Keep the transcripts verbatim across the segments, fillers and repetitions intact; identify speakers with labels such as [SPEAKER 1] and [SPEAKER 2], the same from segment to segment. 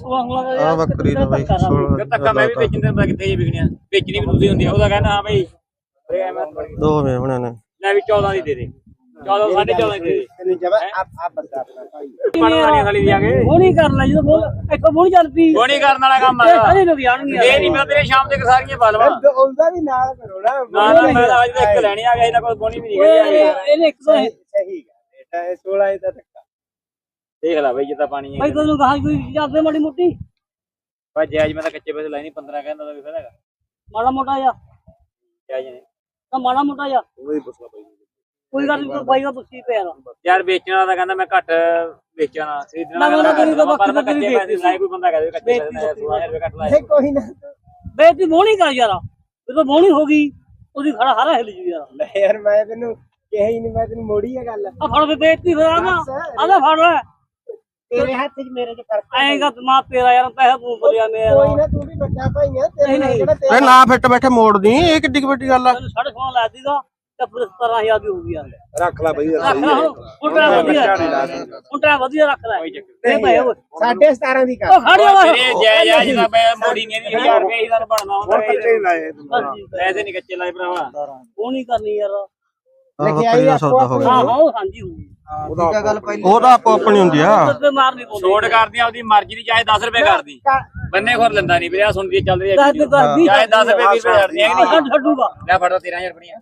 [SPEAKER 1] ਆ ਬੱਕਰੀ ਦਾ ਬਾਈ सोलह
[SPEAKER 2] ਧੱਕਾ ਮੈਂ ਵੀ ਵੇਚਣ ਦੇ ਕਿੱਥੇ ਜੀ ਵਿਕਣੀਆਂ ਵੇਚਣੀ ਵੀ ਤੁਸੀਂ ਹੁੰਦੀ ਆ ਉਹਦਾ ਕਹਿੰਦਾ ਹਾਂ ਬਈ
[SPEAKER 1] दो में होने ने
[SPEAKER 2] ਲੈ ਵੀ चौदह ਦੀ ਦੇ ਦੇ चौदह साढ़े चौदह ਦੀ ਦੇ ਦੇ
[SPEAKER 3] जब आप आप बता अपना भाई
[SPEAKER 2] ਪਣ ਵਾਲੀਆਂ ਖਾਲੀ ਦਿਆਂਗੇ
[SPEAKER 4] ਉਹ ਨਹੀਂ ਕਰਨਾ ਜਦੋਂ ਬੋਲ ਇੱਕ ਬੋਲ ਚੱਲ ਪਈ
[SPEAKER 2] ਉਹ ਨਹੀਂ ਕਰਨ ਵਾਲਾ ਕੰਮ ਆ
[SPEAKER 4] ਸਾਰੇ ਲੋਕ ਜਾਣਗੇ
[SPEAKER 2] ਇਹ ਨਹੀਂ ਮੈਂ ਤੇਰੇ ਸ਼ਾਮ ਤੱਕ ਸਾਰੀਆਂ ਪਾ ਲਵਾਂ
[SPEAKER 3] ਉਹਦਾ ਵੀ ਨਾਲ ਕਰੋ ਨਾ
[SPEAKER 2] ਨਾ ਨਾ ਮੈਂ ਤਾਂ ਅੱਜ ਤੱਕ ਇੱਕ ਲੈਣੀ ਆ ਗਿਆ ਇਹਨਾਂ ਕੋਲ ਬੋਣੀ ਵੀ ਨਹੀਂ ਗਈ
[SPEAKER 4] ਇਹਨੇ ਇੱਕ ਤੋਂ
[SPEAKER 3] सही बेटा है सोलह है तक
[SPEAKER 2] ਦੇਖ ਲੈ ਬਈ ਜਿੱਦਾਂ ਪਾਣੀ
[SPEAKER 4] ਭਾਈ ਤੈਨੂੰ ਕਹਾਂ ਕੋਈ ਜਾਂਦੇ ਮਾੜੀ ਮੋਟੀ
[SPEAKER 2] ਭਾਈ ਜਾਇਜ਼ ਮੈਂ ਤਾਂ ਕੱਚੇ ਪੈਸੇ ਲਾਈ ਨਹੀਂ ਪੰਦਰਾਂ ਕਹਿੰਦਾ ਤਾਂ ਵੀ ਫਾਇਦਾ ਹੈਗਾ
[SPEAKER 4] ਮਾੜਾ ਮੋਟਾ ਜਾ
[SPEAKER 2] ਜਾਇਜ਼ ਨੇ
[SPEAKER 4] ਤਾਂ ਮਾੜਾ ਮੋਟਾ ਜਾ
[SPEAKER 3] वही पूछना भाई
[SPEAKER 4] ਕੋਈ ਗੱਲ ਨਹੀਂ ਬਾਈ ਦਾ ਪੁੱਛੀ ਪਿਆ
[SPEAKER 2] ਯਾਰ ਵੇਚਣ ਵਾਲਾ ਤਾਂ ਕਹਿੰਦਾ ਮੈਂ ਘੱਟ ਵੇਚਣਾ ਖਰੀਦਣ
[SPEAKER 4] ਨਾ, ਨਾ,
[SPEAKER 2] ਵਾਲਾ
[SPEAKER 4] ਤੇਰੀ ਤਾਂ
[SPEAKER 2] ਪਰ ਮੈਂ
[SPEAKER 4] ਬੱਕਰੀ
[SPEAKER 2] ਕੱਚੇ ਪੈਸੇ ਲਾਏ ਕੋਈ ਬੰਦਾ ਕਹਦੇ ਕੱਚੇ ਪੈਸੇ ਲਾਏ सोलह हज़ार ਰੁਪਏ ਘੱਟ ਲਾਏ
[SPEAKER 3] कोई ना
[SPEAKER 4] ਬੇਇੱਜ਼ਤੀ ਮੋਹਣੀ ਕਰ ਯਾਰ ਜਦੋਂ ਮੋਹਣੀ ਹੋ ਗਈ ਉਹਦੀ ਖੜਾ ਹਾਰਾ ਹਿੱਲ ਜੂ ਯਾਰ
[SPEAKER 3] ले यार मैं तेन कह ही नहीं मैं तेन मोड़ी है गल
[SPEAKER 4] ਆ ਫੜ ਕੇ ਬੇਇੱਜ਼ਤੀ ਫਿਰ ਆਣਾ ਆਦਾ ਫੜ ਲੈ
[SPEAKER 3] तेरे हाथ से मेरे जो फर्क
[SPEAKER 4] ਆਏਗਾ ਮਾਂ ਤੇਰਾ ਯਾਰ ਪੈਸਾ ਤੂੰ ਬੋਲਿਆ ਨੇ
[SPEAKER 3] कोई ना तू भी बच्चा भाई है तेरे
[SPEAKER 4] नहीं,
[SPEAKER 3] केड़ा
[SPEAKER 1] ए ना फिट बैठे मोड़ दी ये किड्डी बड़ी गल है
[SPEAKER 4] ਸਾਢੇ ਸੋਲਾਂ ਲੈ ਦੀਗਾ ਤੇ ਫਿਰ ਸਤਾਰਾਂ ਹਜ਼ਾਰ ਦੀ ਹੋ ਗਈ ਯਾਰ
[SPEAKER 3] रख ला भाई
[SPEAKER 4] ਰੱਖ ਲੈ ਹੁਣ ਟਰਾ ਵਧੀਆ ਹੁਣ ਟਰਾ ਵਧੀਆ ਰੱਖ ਲੈ ਇਹ ਭਾਈ ਓਏ
[SPEAKER 3] साढ़े सतारह दी कर
[SPEAKER 4] ਉਹ ਖੜਿਆ ਵਾ
[SPEAKER 2] ਤੇਰੇ ਜਾਇਜ਼ ਆ ਜਿਹਦਾ ਮੈਂ ਮੋੜੀ ਨਹੀਂ ਦੀ ਹਜ਼ਾਰ ਰੁਪਏ ਹੀ ਤੁਹਾਨੂੰ ਬਣਨਾ ਹੁੰਦਾ
[SPEAKER 3] लाए
[SPEAKER 2] ਪੈਸੇ ਨਹੀਂ ਕੱਚੇ ਲਾਏ ਭਰਾਵਾ
[SPEAKER 4] ਉਹ ਨਹੀਂ ਕਰਨੀ ਯਾਰ
[SPEAKER 1] ਬੱਕਰੀ ਦਾ ਸੌਦਾ ਹੋ
[SPEAKER 4] ਹਾਂ
[SPEAKER 1] ਗਿਆ
[SPEAKER 4] ਹਾਂ ਹਾਂਜੀ ਹੋ ਗਈ
[SPEAKER 3] ਉਹਦਾ ਗੱਲ ਪਹਿਲੀ
[SPEAKER 1] ਉਹਦਾ ਆਪੋ ਆਪਣੀ ਹੁੰਦੀ ਆ
[SPEAKER 4] ਤੇ ਮਾਰ ਨਹੀਂ ਪਾਉਂਦੇ
[SPEAKER 2] ਛੋੜ ਕਰਦੀ ਆ ਉਹਦੀ ਮਰਜ਼ੀ ਦੀ ਚਾਹੇ ਦਸ ਰੁਪਏ ਕਰਦੀ ਬੰਨੇ ਖੋਰ ਲੈਂਦਾ ਨਹੀਂ ਵੀਰੇ ਆ ਸੁਣਦੀ ਚੱਲ ਰਹੀ
[SPEAKER 4] ਦੱਸ
[SPEAKER 2] ਹੈ
[SPEAKER 4] ਕਰਦੀ
[SPEAKER 2] ਚਾਹੇ ਦਸ ਰੁਪਏ ਵੀਹ ਰੁਪਏ ਛੱਡਦੀ ਹੈ ਕਿ ਨਹੀਂ
[SPEAKER 4] ਛੱਡੂਗਾ
[SPEAKER 2] ਲੈ ਫੜੋ ਤੇਰਾਂ ਹਜ਼ਾਰ ਰੁਪਏ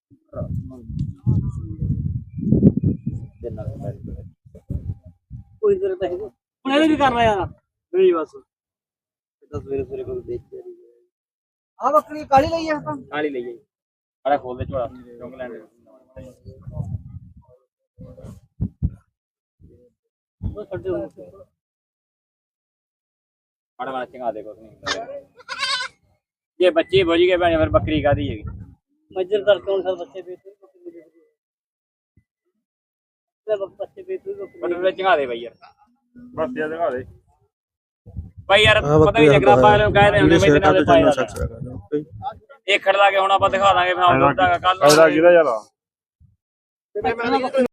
[SPEAKER 4] ਕੋਈ ਜ਼ਰੂਰਤ ਹੈ ਹੁਣ ਇਹਦੇ ਵੀ ਕਰਨਾ ਯਾਰ
[SPEAKER 2] ਨਹੀਂ ਬਸ ਦਸ ਸਵੇਰੇ ਸਵੇਰੇ ਕੋਈ ਦੇਖ ਕੇ
[SPEAKER 3] ਆ ਬੱਕਰੀ ਕਾਲੀ ਲਈ ਆ ਤਾਂ
[SPEAKER 2] ਕਾਲੀ ਲਈ ਜਾਈ ਅੜਾ ਖੋਲ ਦੇ ਝੋਲਾ ਚੁੰਗ ਲੈਣ
[SPEAKER 4] ਉਹ ਛੱਡੋ
[SPEAKER 2] ਮਾੜਾ ਮਾੜਾ ਚੰਗਾ ਦੇ ਕੁਛ ਨਹੀਂ ये बच्चे बोझ गए भैया फिर बकरी का दी है
[SPEAKER 4] मजदूर करते हैं सर बच्चे बेच बच्चे बेच
[SPEAKER 2] बटन चंगा दे भाई यार बस यार चंगा दे भाई यार पता नहीं जगरा पा लो कह रहे हैं मैं इतना दे पाएगा एक खड़ ला के हुन ਆਪਾਂ ਦਿਖਾ ਦਾਂਗੇ ਫਿਰ ਆਉਂਦਾ ਕੱਲ
[SPEAKER 5] ਇਹਦਾ ਕਿਹਦਾ ਯਾਰ